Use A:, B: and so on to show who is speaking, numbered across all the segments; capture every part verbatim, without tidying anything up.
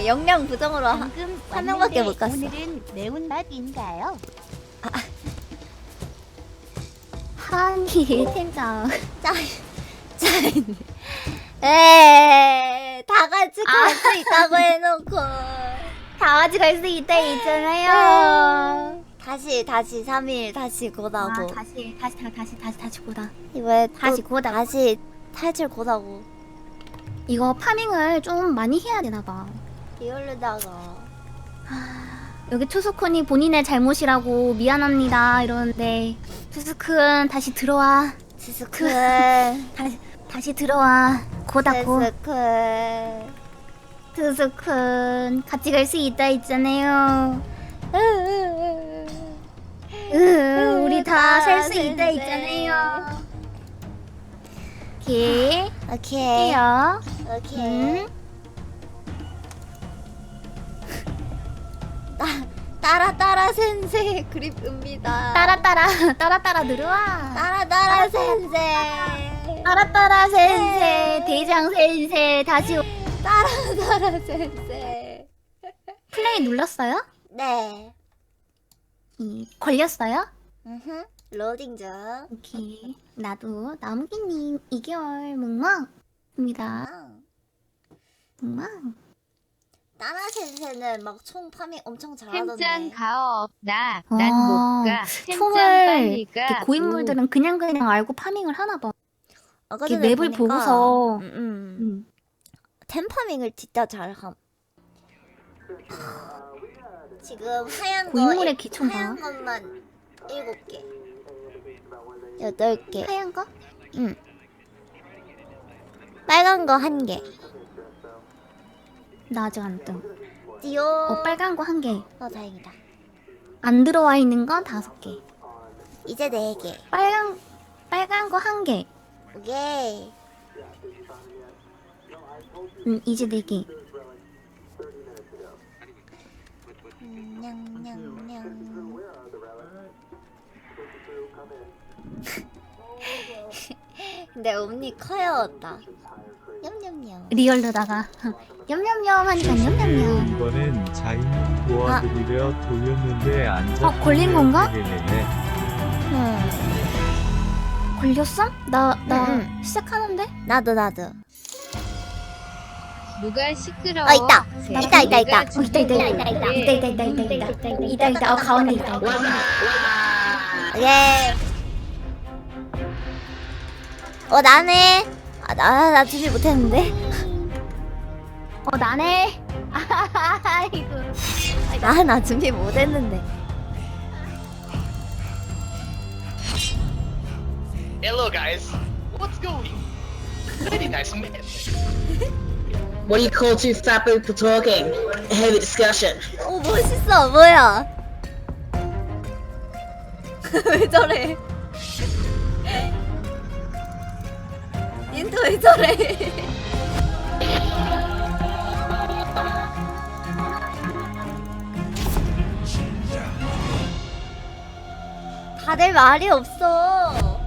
A: 역량 부정으로 한
B: 방금
A: 한 명밖에 못 갔어.
B: 오늘은 매운맛인가요?
C: 한이 팀장.
A: 짜, 짜. 에이, 다 같이
C: 아.
A: 갈 수 있다고 해놓고.
C: 다 같이 갈 수 있다 있잖아요.
A: 다시, 다시 삼 일 다시 고다고.
C: 아, 다시 다시 다 다시 다시 다시 고다.
A: 이번에
C: 다시
A: 또
C: 고다.
A: 다시 탈출 고다고.
C: 이거 파밍을 좀 많이 해야 되나 봐.
A: 리얼르다가.
C: 여기 투스쿤이 본인의 잘못이라고 미안합니다 이러는데 투스쿤 다시 들어와.
A: 스스크.
C: 다시 다시 들어와. 고다고.
A: 스스크.
C: 투스쿤 같이 갈 수 있다 있잖아요. 으, 우리 다 살 수 있다 있잖아요. 오케이.
A: 오케이.
C: 해요.
A: 오케이.
C: 음.
A: 따, 따라 따라 센세 그립입니다.
C: 따라 따라 따라 따라 들어와.
A: 따라 따라 센세.
C: 따라 따라 센세 대장 센세 다시 오-
A: 따라 따라 센세.
C: 플레이 눌렀어요?
A: 네.
C: 이 걸렸어요?
A: 음흠. 로딩 중.
C: 오케이. 나도 나무기님 이 개월 묵망입니다.
A: 아,
C: 묵망.
A: 따라 센세는 막 총 파밍 엄청
B: 템장
A: 잘하던데.
B: 가어 없나?
C: 아,
B: 난 못 가. 템장
C: 총을
B: 빨리 가.
C: 이렇게 고인물들은 그냥 그냥 알고 파밍을 하나 봐.
A: 아까
C: 이렇게
A: 전에
C: 맵을
A: 보니까,
C: 보고서.
A: 음, 음.
C: 음.
A: 템 파밍을 진짜 잘함. 지금 하얀 거
C: 고인물의
A: 일-
C: 기초인가?
A: 하얀 것만 일곱 개, 여덟 개.
C: 하얀 거?
A: 응. 빨간 거 한 개.
C: 나 아직 안 뜸.
A: 띠오.
C: 어, 빨간 거 한 개.
A: 어, 다행이다.
C: 안 들어와 있는 건 다섯 개.
A: 이제 네 개.
C: 빨간 빨간 거 한 개.
A: 오케이.
C: 음, 이제 네 개.
A: 음, 냥냥냥. 근데 언니 커요었다. 냠냠냠.
C: 리얼로다가 냠냠냠 하니까 냠냠냠.
D: 이번엔 자이님 도와드리려 돌렸는데 안 잡히네.
C: 어, 걸린 건가?
D: 네네네.
A: 응.
C: 걸렸어? 나 나
A: 응,
C: 시작하는데?
A: 나도 나도.
B: 누가 시끄러워?
A: 어, 있다.
B: 쟤
A: 있다, 있다, 있다.
B: 누가
C: 어, 있다 있다 있다 있다
B: 네.
C: 있다 있다 있다 있다 있다 있다 있다 있다 어 가운데 있다 있다.
A: 예. 어 나네. 아, 나, 나 준비 못했는데.
C: 어 나네. 아이고.
A: 나, 나 준비 못했는데.
E: Hello guys, what's going? Very nice man.
F: What do you call two fat people talking? Heavy discussion.
A: 오 멋있어. 뭐야? 왜 저래? 닌도 왜 저래? 다들 말이 없어.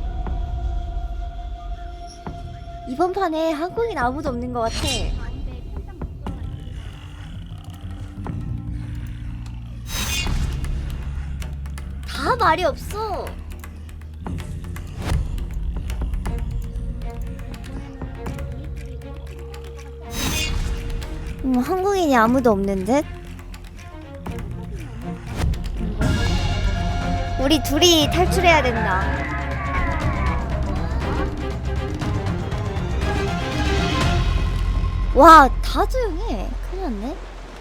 A: 이번 판에 한국인 아무도 없는 것 같아. 다 말이 없어. 음, 한국인이 아무도 없는 듯? 우리 둘이 탈출해야 된다. 와, 다 조용해. 큰일 났네.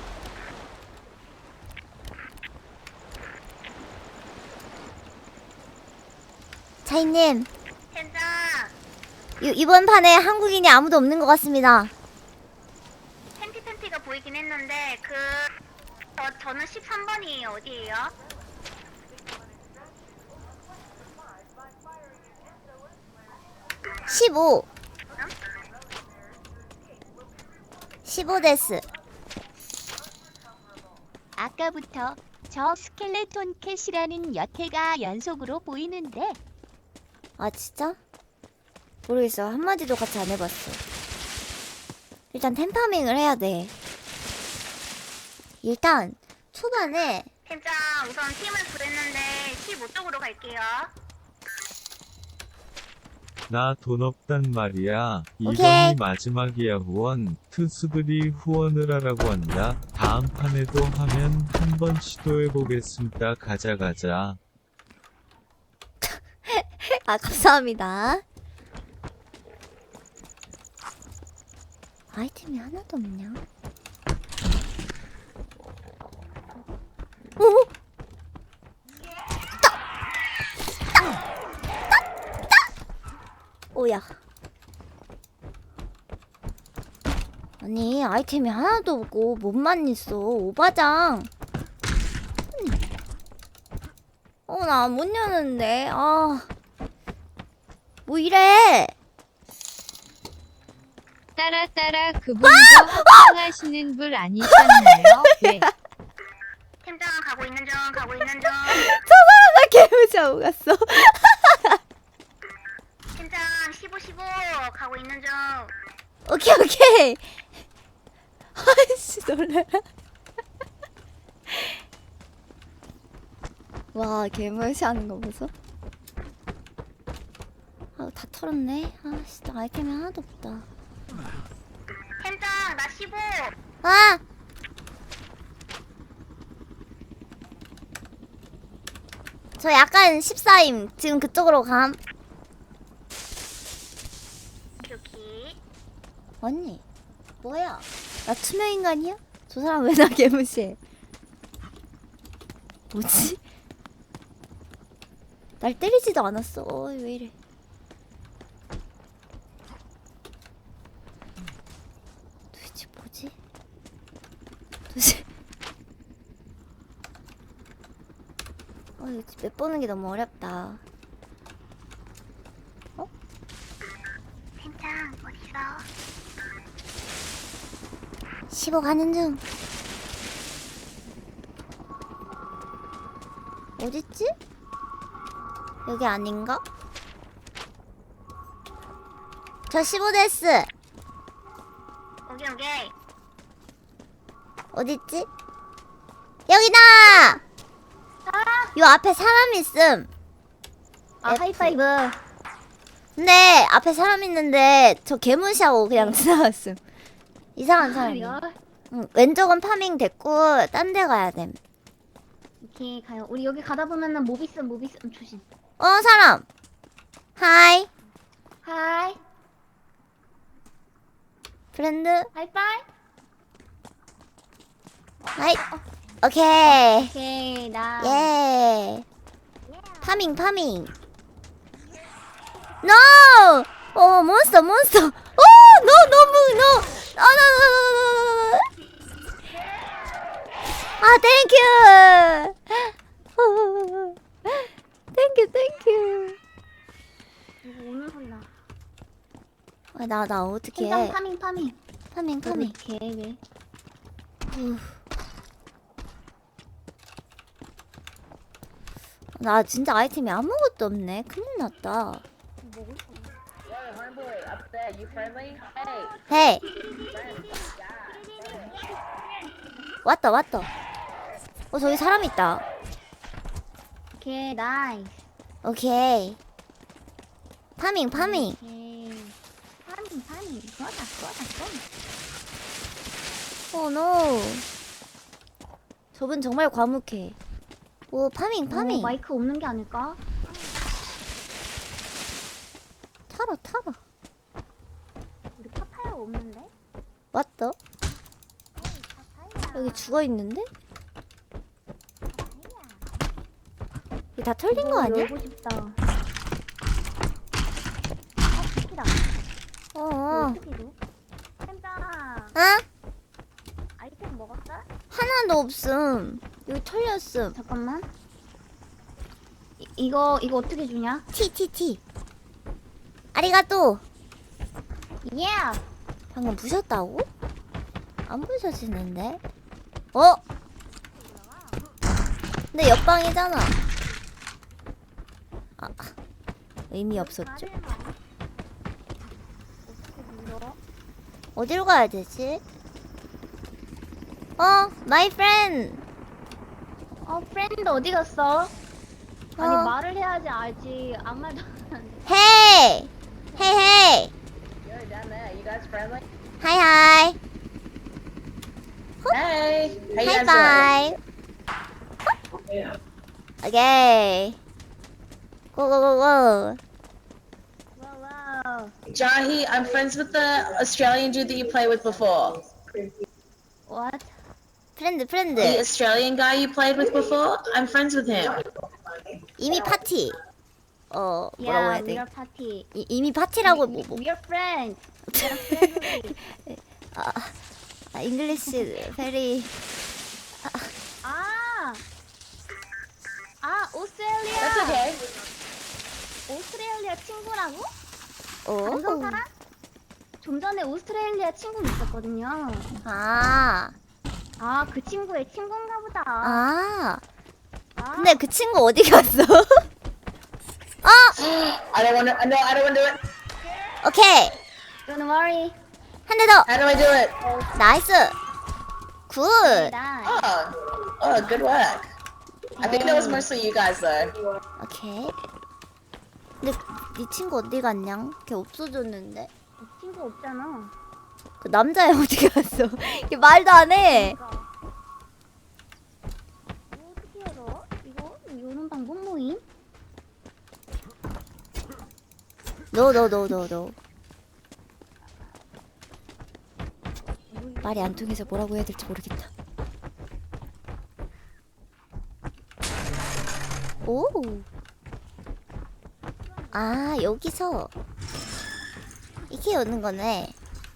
A: 차이님,
C: 괜찮.
A: 이, 이번 판에 한국인이 아무도 없는 것 같습니다.
C: 팬티 팬티가 보이긴 했는데 그 저, 저는 십삼 번이에요. 어디예요?
A: 십오. 십오 데스.
B: 아까부터 저 스켈레톤 캣이라는 여태가 연속으로 보이는데
A: 아 진짜? 모르겠어. 한마디도 같이 안 해봤어. 일단 템파밍을 해야 돼. 일단 초반에
C: 팀장 우선 팀을 구했는데 십오 쪽으로 갈게요.
D: 나 돈 없단 말이야.
A: 오케이.
D: 이번이 마지막이야 후원. 투수들이 후원을 하라고 한다. 다음 판에도 하면 한번 시도해보겠습니다. 가자 가자.
A: 아 감사합니다. 아이템이 하나도 없냐? 오! 따! 따! 따! 오야. 아니 아이템이 하나도 없고 몸만 있어. 오바장. 어 나 못 여는데. 아. 뭐 이래?
B: 따라 따라 그분도 합방하시는 분 아니셨나요? 네.
C: 팀장 가고 있는 중 가고 있는 중.
A: 나 개무시하고 갔어.
C: 팀장 십오 십오 가고 있는 중.
A: 오케이 오케이. 아이씨 놀래라. 와 개무시하는 거 보소. 아 다 털었네. 아씨 나 아이템이 하나도 없다.
C: 팀장 나 십오.
A: 아! 저 약간 십사임. 지금 그쪽으로 감.
C: 여기.
A: 언니 뭐야? 나 투명인간이야? 저 사람 왜 나 개무시해? 뭐지? 날 때리지도 않았어. 어이 왜 이래? 도대체 뭐지? 도대체 어 이거 맵 보는 게 너무 어렵다. 어?
C: 팀장 어디서?
A: 십오 가는 중. 어딨지? 여기 아닌가? 저 십오 데스.
C: 오케이 오케이.
A: 어딨지? 여기다! 요 앞에 사람 있음.
C: 아
A: F.
C: 하이파이브.
A: 근데 앞에 사람 있는데 저 개무시하고 그냥 지나갔음. 이상한 사람이야. 응, 왼쪽은 파밍 됐고 딴 데 가야 됨.
C: 오케이 가요. 우리 여기 가다 보면은 모비스 모비스 음, 조심.
A: 어 사람. 하이.
C: 하이
A: 프렌드.
C: 하이파이.
A: 하이. 오케이.
C: 오케이 나.
A: 예. 파밍 파밍. No! 어 몬스터 몬스터. 오 no 너무 no. 아 no no no no no. 아 땡큐. 땡큐 땡큐.
C: 이거 오는 소리 나.
A: 나 나 어떻게
C: 팀장
A: 해?
C: 파밍 파밍.
A: 파밍 파밍.
C: 오케이.
A: 나 진짜 아이템이 아무것도 없네. 큰일 났다. 헤이. 왔다 왔다. 어 저기 사람 있다.
C: 오케이 나이스.
A: 오케이. 파밍 파밍.
C: 오케이. 파밍 파밍. 좋았다 좋았다 좋았다.
A: 오 노. 저분 정말 과묵해. 오 파밍 파밍.
C: 어, 마이크 없는 게 아닐까?
A: 타라 타라.
C: 우리 파파야 없는데?
A: 왔다. 여기 죽어 있는데? 이게 다 털린 거 아니야?
C: 열고 싶다. 아, 스키다.
A: 어. 어.
C: 스키도. 템장
A: 어?
C: 아이템 먹었어?
A: 하나도 없음. 여기 털렸음.
C: 잠깐만. 이, 이거 이거 어떻게 주냐?
A: 티 티 티. 아리가또.
C: 예.
A: 방금 부셨다고? 안 부셔지는데? 어? 근데 옆방이잖아. 아, 의미 없었죠?
C: 어떻게 눌러?
A: 어디로 가야 되지? 어, my friend.
C: 어, 프렌드 어디 갔어? 아니,
A: 어.
C: 말을 해야지 알지. 아무 말도 안 하는데.
A: Hey, hey, hey.
F: You're down there. You guys friendly?
A: Hi, hi.
F: Hey. How you
A: High
F: guys
A: five. Okay. Go, go, go, go.
C: 와우, 와우.
F: doing? Jahi, I'm friends with the Australian dude that you played with before.
C: What?
A: 프렌드, 프렌드.
F: The Australian guy you played with before? I'm friends with him.
A: 이미 파티. 어, 뭐라고
C: Yeah,
A: 해야
C: we
A: 돼?
C: are party.
A: 이, 이미 파티라고 뭐, 뭐.
C: We are friends. We are friendly.
A: 아, 아, 잉글리시 베리.
C: 아! 아, 오스트레일리아!
F: That's okay.
C: 오스트레일리아 친구라고?
A: 오.
C: 방송 사람? 좀 전에 오스트레일리아 친구 있었거든요.
A: 아,
C: 아, 그 친구의 친구인가 보다.
A: 아.
C: 아,
A: 근데 그 친구 어디 갔어? 어,
F: I don't want to. No, I don't want to do it.
A: 오케이.
C: don't worry.
A: 한 대 더.
F: How do I do it?
A: 나이스. 굿.
C: 나
F: Oh. Oh, good work. I think that was mostly you guys though.
A: 오케이. 근데 네 친구 어디 갔냐? 걔 없어졌는데.
C: 친구 없잖아.
A: 그 남자애 어디 갔어? 걔 말도 안 해.
C: 그러니까. 이거 어떻게 열어? 이거 요런 방법 모임?
A: 노, 노, 노, 노, 노. 말이 안 통해서 뭐라고 해야 될지 모르겠다. 오. 아, 여기서 이렇게 여는 거네.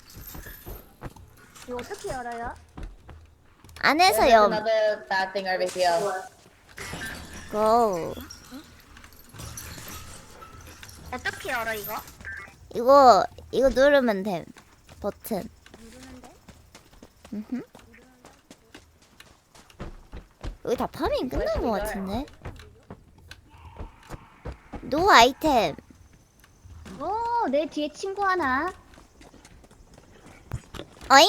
C: 이거 어떻게 열어요?
A: 안에서
F: There's
A: 염.
F: another bad thing over here.
A: 고.
C: 어떻게 열어 이거?
A: 이거 이거 누르면 됨. 버튼.
C: 누르는데?
A: 음흠. 여기 다 파밍 끝난 것 같은데. 노 아이템.
C: 오, 내 뒤에 친구 하나.
A: 어잉?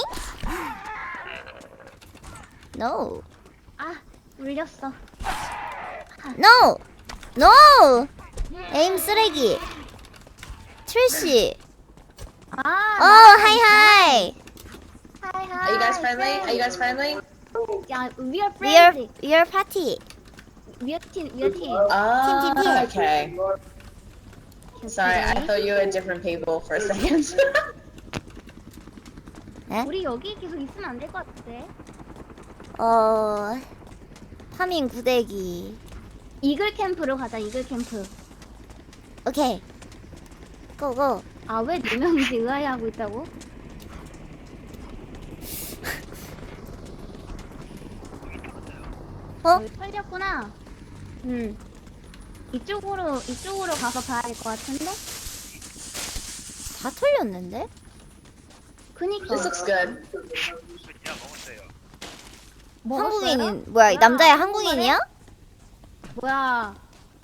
A: No.
C: 아, 울렸어.
A: No. No. 에임 쓰레기. 트래시.
C: 아,
A: 어, 하이 하이.
C: 하이 하이.
F: Are you guys friendly? Are you guys friendly?
C: 야, we are
A: We are
C: friendly.
A: we are party.
C: We are team, we are team.
F: Oh,
A: Team, team, team.
F: okay. Sorry, I thought you were different people for a second.
A: 에?
C: 우리 여기 계속 있으면 안 될 것 같은데.
A: 어. 파밍 구대기.
C: 이글 캠프로 가자, 이글 캠프.
A: 오케이. 고고.
C: 아, 왜 네 명이서 의아해하고 있다고?
A: 어?
C: 여기 털렸구나. 음. 이쪽으로, 이쪽으로 가서 봐야 될 것 같은데?
A: 다 털렸는데?
C: 그니까.
F: This looks good.
C: 먹었어요?
A: 한국인인 뭐야? 이 남자애 한국인이야?
C: 뭐야?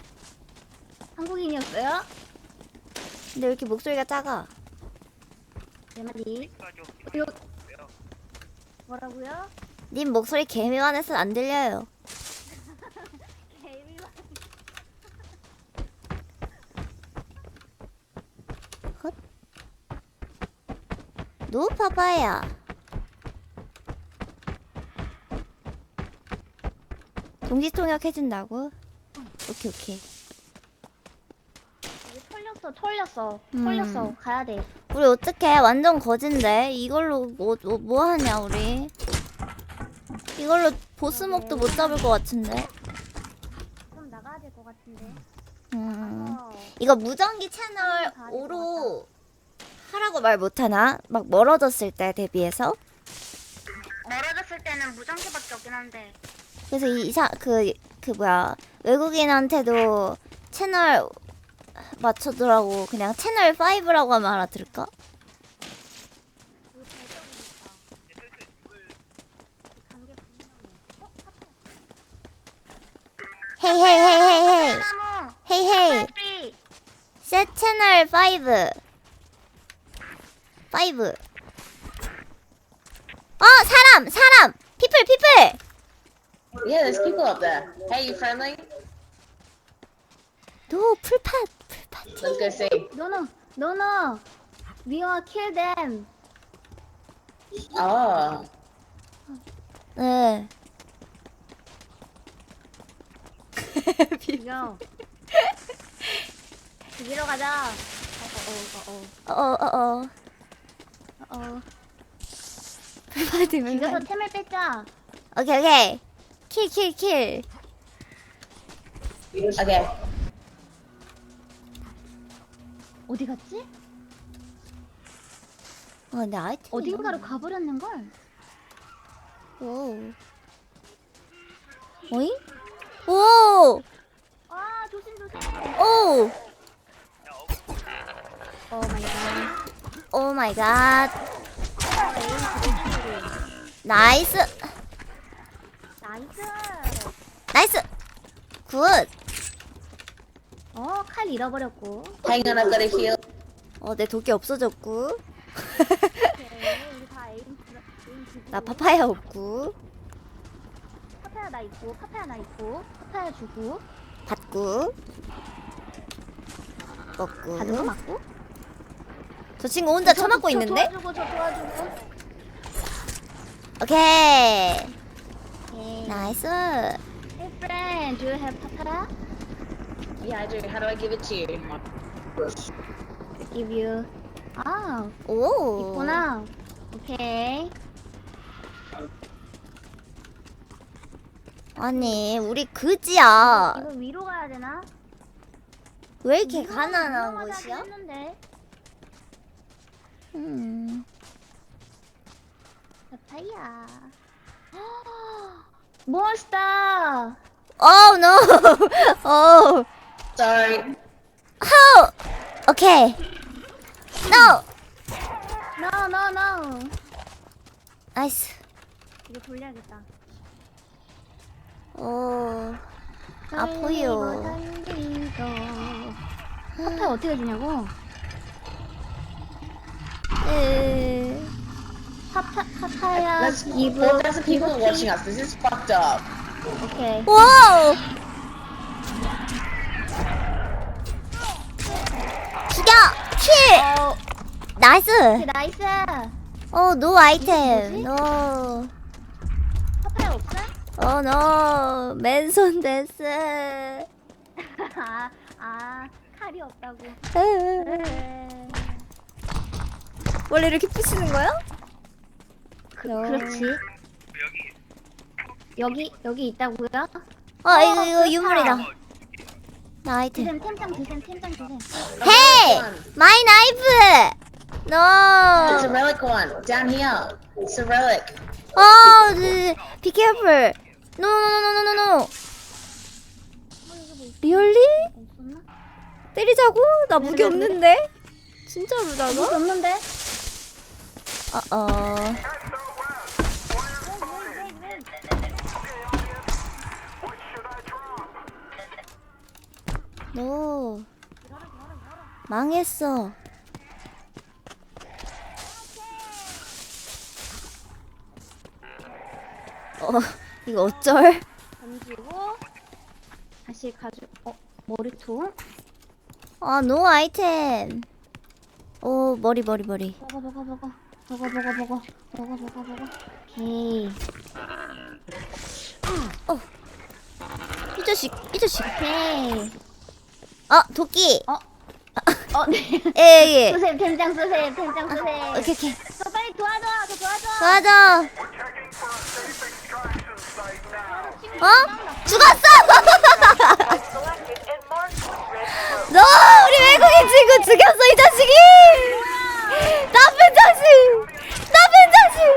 C: 한국인이었어요?
A: 근데 왜 이렇게 목소리가 작아?
C: 내 말이. 요... 뭐라고요?
A: 님 목소리 개미만해서 안 들려요. 헛. 노 파파야. 동시통역 해준다고? 오케이 오케이.
C: 여기 털렸어, 털렸어,
A: 음.
C: 털렸어. 가야 돼.
A: 우리 어떡해? 완전 거진데 이걸로 뭐, 뭐, 뭐 하냐 우리? 이걸로 보스목도 못 잡을 것 같은데.
C: 좀 나가야 될 것 같은데.
A: 음.
C: 어.
A: 이거 무전기 채널 오로 하라고 말 못하나? 막 멀어졌을 때 대비해서?
C: 멀어졌을 때는 무전기밖에 없긴 한데.
A: 그래서 이 이사 그 그 뭐야 외국인한테도 채널 맞춰두라고 그냥 채널 오라고 하면 알아들을까? 헤이 헤이 헤이 헤이 헤이
C: 나무.
A: 헤이 헤이
C: 빨리.
A: 셋 채널 파이브 파이브 어 사람 사람 people, people.
F: Yeah, there's people up there. Hey, you friendly?
A: No, 풀팟, 풀팟.
F: Let's go see.
C: No, no, no, no. We will kill them.
F: Oh.
A: 네.
C: 이거. 죽이러 가자. 어, 어, 어,
A: 어, 어, 어.
C: 어, 어.
A: 풀팟이면
C: 죽여서 템을 뺏자.
A: 오케이, 오케이. 킬, 킬, 킬.
F: Okay.
C: 어디 갔지?
A: 어, 근데 아이템.
C: 어딘가로 가버렸는 걸.
A: 오. 오잉? 오!
C: 아, 조심 조심.
A: 오!
C: 오 마이 갓.
A: 오 마이 갓. 나이스.
C: 나이스.
A: 나이스. 굿.
C: 어, 칼 잃어버렸고.
F: Hang on, I've got a heal.
A: 어, 내 도끼 없어졌고.
C: 오케이, 우리 다 에임 에임 주고.
A: 나 파파야 없고.
C: 파파야 나 있고, 파파야 나 있고, 파파야 주고,
A: 받고.
C: 받은 거
A: 먹고.
C: 맞고.
A: 저 친구 혼자
C: 저,
A: 처맞고
C: 저
A: 있는데?
C: 도와주고, 저 도와주고.
A: 오케이.
C: 오케이.
A: 나이스.
C: Hey friend, do you have papaya?
F: Yeah, I do. How do I give it to you?
C: Give you. 아,
A: 오.
C: 있구나. 오케이.
A: 아니, 우리 그지야.
C: 이거 위로 가야 되나?
A: 왜 이렇게
C: 위로
A: 가난한
C: 가야
A: 곳이야?
C: 했는데.
A: 음.
C: 파파야. 몬스터.
A: Oh no. Oh.
F: Sorry.
A: How? Okay. No.
C: No, no, no.
A: 나이스.
C: 이거 돌려야겠다.
A: 오. 아파요.
C: 파파야 어떻게 주냐고?
A: 네.
C: 파파 파파야
F: Let's.
C: give.
F: Well, there's some people
C: give
F: watching us. This is fucked up.
C: 오케이.
A: 와우. 죽여. 킬.
C: 어,
A: 나이스.
C: 오케이, 나이스.
A: 어, 노 아이템. 노.
C: 파파야 없어?
A: 어, 노. 맨손 데스.
C: 아, 아, 칼이 없다고.
A: 원래 이렇게 부시는 거야?
C: 그, 그렇지. 여기 여기 있다고요?
A: 어, 이거 이거 유물이다. 나 아이템.
C: 드셈 템장 드셈 템장 드셈.
A: Hey, my knife.
F: It's a
A: No.
F: relic one. Down here. It's a relic.
A: Oh, be careful. No, no, no, no, no, no. Really?
C: 없었나?
A: 때리자고? 나 무기 없는데? 진짜로
C: 무기
A: 나가?
C: 없는데?
A: 어, 어. 너 망했어. 어, 이거 어쩔?
C: 던지고 다시 가져. 어 머리통.
A: 아, 노 아이템. 오, 머리, 머리, 머리.
C: 먹어 먹어 먹어 먹어 먹어 먹어 먹어 먹어 먹어. 오케이
A: 이 자식, 이 자식.
C: 오케이.
A: 어, 도끼.
C: 어? 어 네.
A: 예, 예.
C: 수셉 템장 수셉 템장 수셉.
A: 오케이, 오케이.
C: 저 빨리 도와줘 저 도와줘.
A: 도와줘. 어? 죽었어! 너 우리 외국인 친구 죽였어, 이 자식이! 나쁜 자식! 나쁜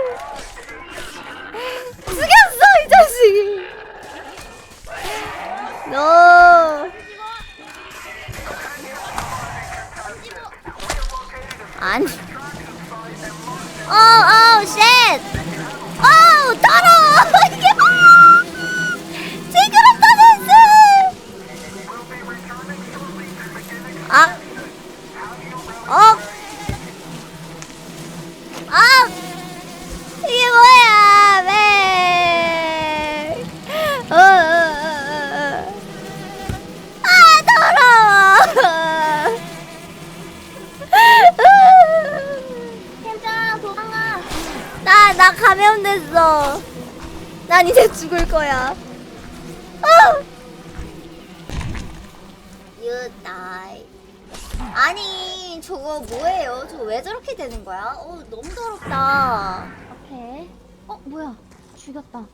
A: 자식! 죽였어, 이 자식이! 너 아니. 어, 어, 쉣! 어, 더러워! 이게 뭐야! 징그럽다, 됐어! 아! 어, 죽어. 난 이제 죽을 거야. 아! You die. 아니 저거 뭐예요? 저거 왜 저렇게 되는 거야? 어 너무 더럽다.
G: 오케이. 어 뭐야? 죽였다.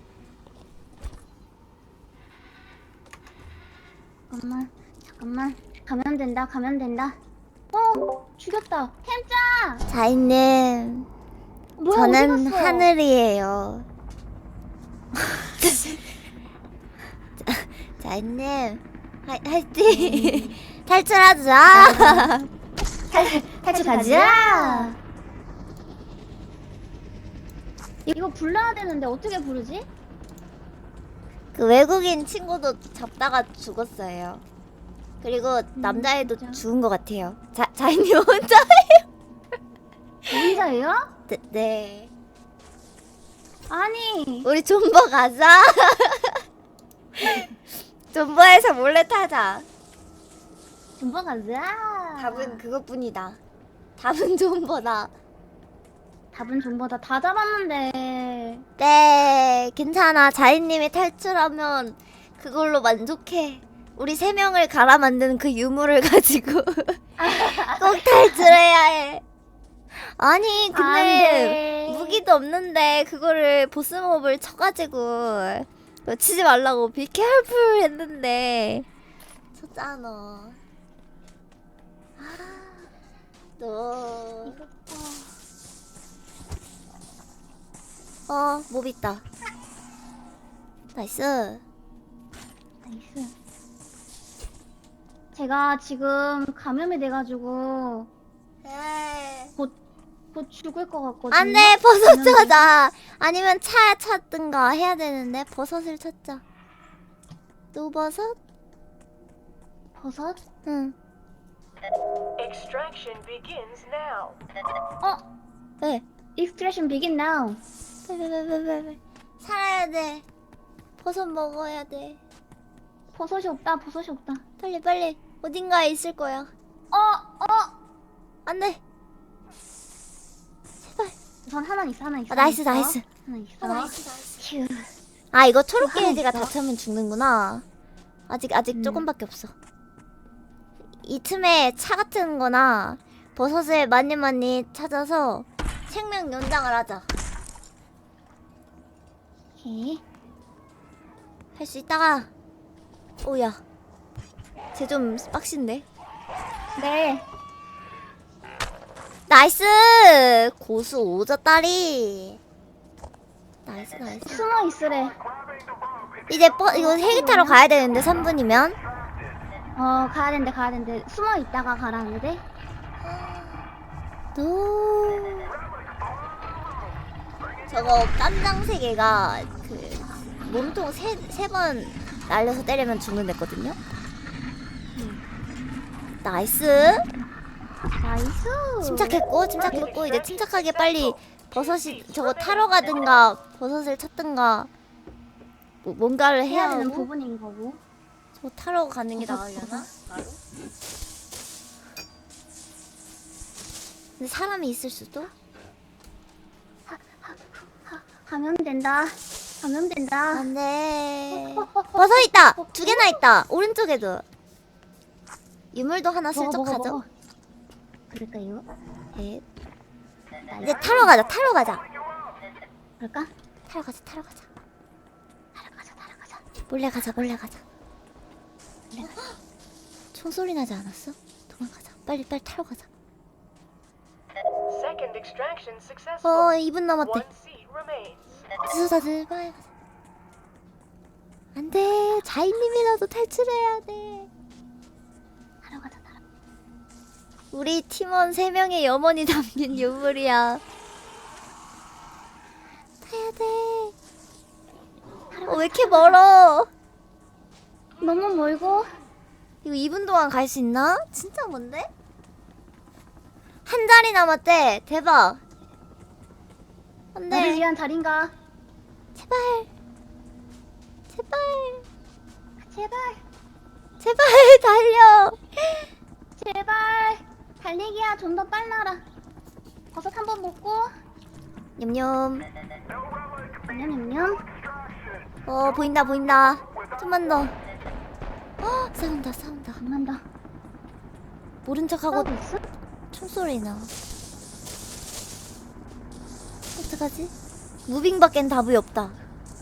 G: 잠깐만, 잠깐만. 가면 된다, 가면 된다. 어, 죽였다. 햄짱.
A: 자인님,
G: 뭐야?
A: 저는
G: 어디 갔어?
A: 하늘이에요. 자, 자인님, 화, 화이팅! 탈출하자!
G: 탈출 가자. 이거 불러야 되는데 어떻게 부르지?
A: 그 외국인 친구도 잡다가 죽었어요. 그리고 남자애도
G: 진짜?
A: 죽은 것 같아요. 자, 자인님 혼자예요?
G: 혼자예요?
A: 네, 네.
G: 아니.
A: 우리 존버 가자. 존버에서 몰래 타자.
G: 준번 가자.
A: 답은 그것뿐이다. 답은 존버다.
G: 답은 전보다 다 잡았는데.
A: 네, 괜찮아. 자인님이 탈출하면 그걸로 만족해. 우리 세 명을 갈아 만드는 그 유물을 가지고 꼭 탈출해야 해. 아니,
G: 안
A: 근데
G: 돼.
A: 무기도 없는데 그거를 보스몹을 쳐가지고 그거 치지 말라고 비케어풀 했는데 쳤잖아. 아, 너. 어, 몹 있다. 나이스.
G: 나이스. 제가 지금 감염이 돼가지고
A: 에이.
G: 곧 죽을 것 같거든요.
A: 안 돼, 버섯
G: 감염이-
A: 찾아. 아니면 차 찾든가 해야 되는데, 버섯을 찾자. 또 버섯?
G: 버섯?
A: 응.
H: Extraction begins now.
G: 어?
A: 왜?
G: Extraction begin now.
A: 왜왜왜왜왜 살아야 돼. 버섯 먹어야 돼.
G: 버섯이 없다. 버섯이 없다.
A: 빨리 빨리. 어딘가에 있을 거야.
G: 어? 어?
A: 안 돼. 제발.
G: 우선 하나 있어. 하나 있어.
A: 아, 나이스,
G: 하나 있어.
A: 나이스.
G: 하나 있어.
A: 아, 나이스, 나이스.
G: 휴.
A: 아, 이거 초록
G: 하나
A: 게이지가
G: 있어?
A: 다 차면 죽는구나. 아직 아직
G: 음.
A: 조금밖에 없어. 이 틈에 차 같은 거나 버섯을 많이 많이 찾아서 생명 연장을 하자.
G: 오케이.
A: 할 수 있다가. 오야. 쟤 좀 빡신데.
G: 네.
A: 나이스! 고수 오졌다리. 나이스 나이스.
G: 숨어 있으래.
A: 이제 버, 이거 헬기 타러 가야 되는데 삼 분이면.
G: 어, 가야 된대. 가야 된대. 숨어 있다가 가라는데.
A: 노. 저거 깜장세계가 그 몸통 세 세 번 날려서 때리면 죽는댔거든요. 나이스.
G: 나이스.
A: 침착했고 침착했고 이제 침착하게 빨리 버섯이 저거 타러 가든가 버섯을 찾든가 뭐 뭔가를 해야
G: 해야 되는
A: 하고
G: 부분인 거고.
A: 저거 타러 가는 게
G: 버섯,
A: 나으려나? 바로? 근데 사람이 있을 수도?
G: 가면 된다. 가면 된다.
A: 안돼. 버섯 있다. 두 개나 있다. 오른쪽에도. 유물도 하나
G: 먹어,
A: 슬쩍
G: 먹어,
A: 가져.
G: 먹어. 그럴까요?
A: 예. 이제 타러 가자. 타러 가자.
G: 그럴까?
A: 타러 가자. 타러 가자.
G: 타러 가자. 타러 가자.
A: 몰래 가자. 몰래 가자. 총소리 나지 않았어? 도망가자. 빨리 빨리 타러 가자.
H: Second extraction successful.
A: 어, 이 분 남았대.
H: One seat remains.
A: 주소자들 빨리 가자. 안돼. 자인님이라도 탈출해야 돼.
G: 타러 가자. 타러.
A: 우리 팀원 세 명의 염원이 담긴 유물이야. 타야 돼. 어, 왜 이렇게 멀어?
G: 너무 멀고.
A: 이거 이 분 동안 갈 수 있나? 진짜 뭔데? 한 자리 남았대. 대박.
G: 나를
A: 안돼.
G: 위한 달인가?
A: 제발. 제발.
G: 제발.
A: 제발 달려.
G: 제발. 달리기야. 좀 더 빨라라. 버섯 한 번 먹고.
A: 냠냠.
G: 냠냠냠.
A: 어 보인다 보인다. 좀만 더. 어 싸운다 싸운다.
G: 장난다.
A: 모른 척하고
G: 하고 있어?
A: 총소리 나. 어떡하지? 무빙밖엔 답이 없다.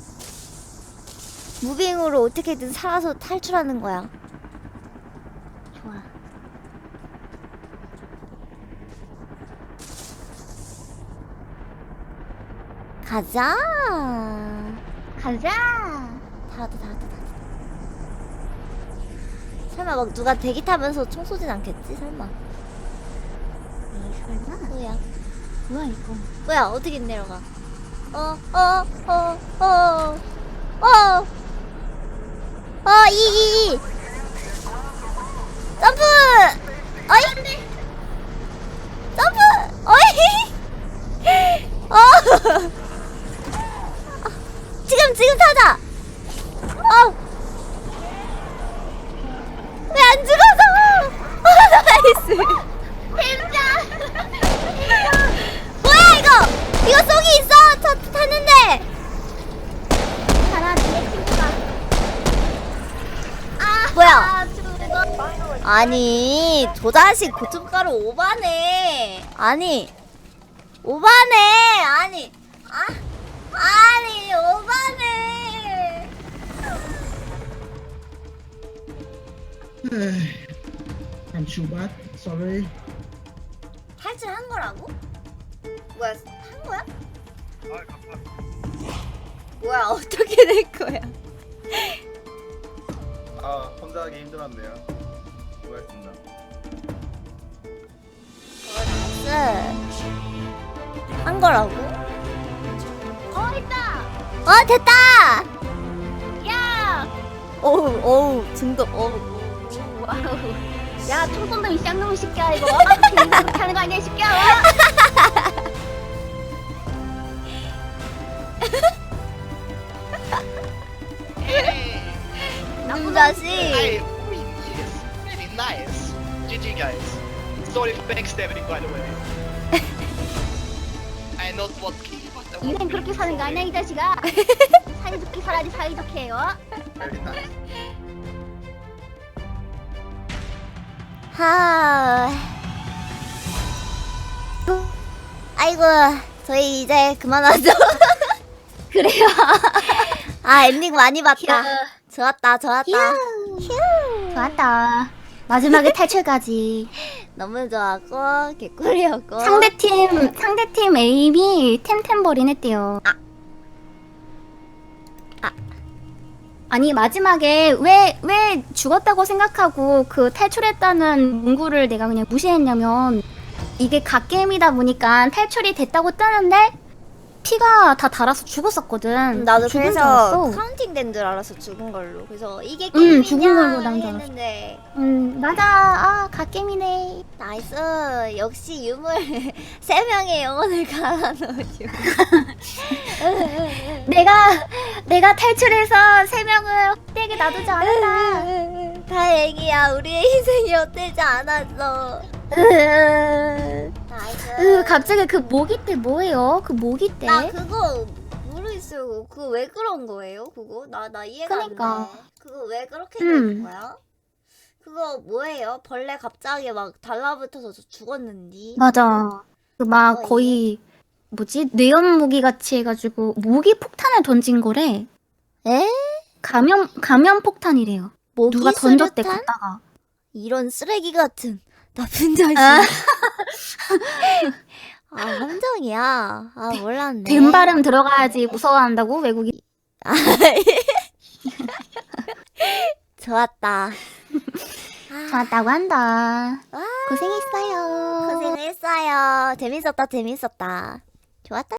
A: 무빙으로 어떻게든 살아서 탈출하는 거야.
G: 좋아.
A: 가자.
G: 가자.
A: 다 왔다 다 왔다 다 왔다. 설마 막 누가 대기 타면서 총 쏘진 않겠지? 설마.
G: 에이 설마.
A: 뭐야?
G: 뭐야 이거.
A: 뭐야? 어떻게 내려가? 어, 어, 어, 어, 어, 어, 이, 이, 이. 점프! 어이! 점프! 어이! 어! 지금, 지금 타자! 어! 왜 안 죽어서! 어, 나이스!
G: 템자.
A: 뭐야, 이거! 이거 쏙이 있어! 저 탔는데!
G: 하나 뒤에 친구가. 아
A: 뭐야?
G: 죽어.
A: 아니, 저 자식 고춧가루 오바네. 아니, 오바네. 아니, 아, 아니, 오바네.
F: I'm too bad. Sorry.
A: 탈출한 거라고? 뭐야, 한 거야? 뭐야, 어떻게 된 거야?
I: 아 혼자 하기 힘들었네요. 수고했습니다.
A: 나이스. 한 거라고?
G: 어 있다.
A: 어, 됐다!
G: 야.
A: 어우, 어우, 중독, 어우.
G: 와우. 야, 총 쏜다 이 쌍놈의 새끼야 이거. 괜히 그렇게 하는 거 아니야 이 새끼야.
A: 나쁜 자식.
E: I win, yes. Very nice. G G guys. Sorry for backstabbing by the way. I not what key, but I
G: 인생 그렇게 사는 거 아니야 이 자식아. 사이좋게 살아야지 사이좋게 어?
I: Very nice.
A: 하. 아이고, 저희 이제 그만하죠.
G: 그래요.
A: 아, 엔딩 많이 봤다.
G: 휴.
A: 좋았다, 좋았다. 휴.
G: 좋았다. 마지막에 탈출까지.
A: 너무 좋았고, 개꿀이었고.
G: 상대팀 상대팀 에임이 템템버린 했대요.
A: 아. 아.
G: 아니 마지막에 왜 왜 죽었다고 생각하고 그 탈출했다는 문구를 내가 그냥 무시했냐면 이게 갓게임이다 보니까 탈출이 됐다고 뜨는데 피가 다 달아서 죽었었거든.
A: 음, 나도
G: 죽은 줄
A: 그래서
G: 알았어.
A: 카운팅 된 줄 알았어, 죽은 걸로. 그래서 이게
G: 음,
A: 게임이냐
G: 죽은 걸로 난줄 알았어.
A: 했는데.
G: 음 맞아. 아 갓게임이네.
A: 나이스. 역시 유물 세 명의 영혼을 갈아넣어줘.
G: 내가 내가 탈출해서 세 명을 헛되게 놔두지 않았다.
A: 다행이야, 우리의 희생이 헛되지 않았어.
G: 으,
A: 나이스.
G: 갑자기 그 모기떼 뭐예요? 그 모기떼?
A: 나 그거 모르겠어요. 그거 왜 그런 거예요? 그거 나 나 이해가
G: 그니까.
A: 안 돼. 그거 왜 그렇게
G: 음.
A: 되는 거야? 그거 뭐예요? 벌레 갑자기 막 달라붙어서 저 죽었는디.
G: 맞아. 그 막
A: 어,
G: 거의 뭐지 뇌염 모기 같이 해가지고 모기 폭탄을 던진 거래.
A: 에?
G: 감염 감염 폭탄이래요.
A: 모기
G: 누가 던졌대
A: 수류탄?
G: 갔다가.
A: 이런 쓰레기 같은 나쁜 자식.
G: 아.
A: 아, 함정이야. 아, 몰랐네.
G: 된 발음 들어가야지 무서워한다고 외국인.
A: 좋았다.
G: 좋았다고 한다.
A: 와,
G: 고생했어요.
A: 고생했어요. 재밌었다, 재밌었다. 좋았다.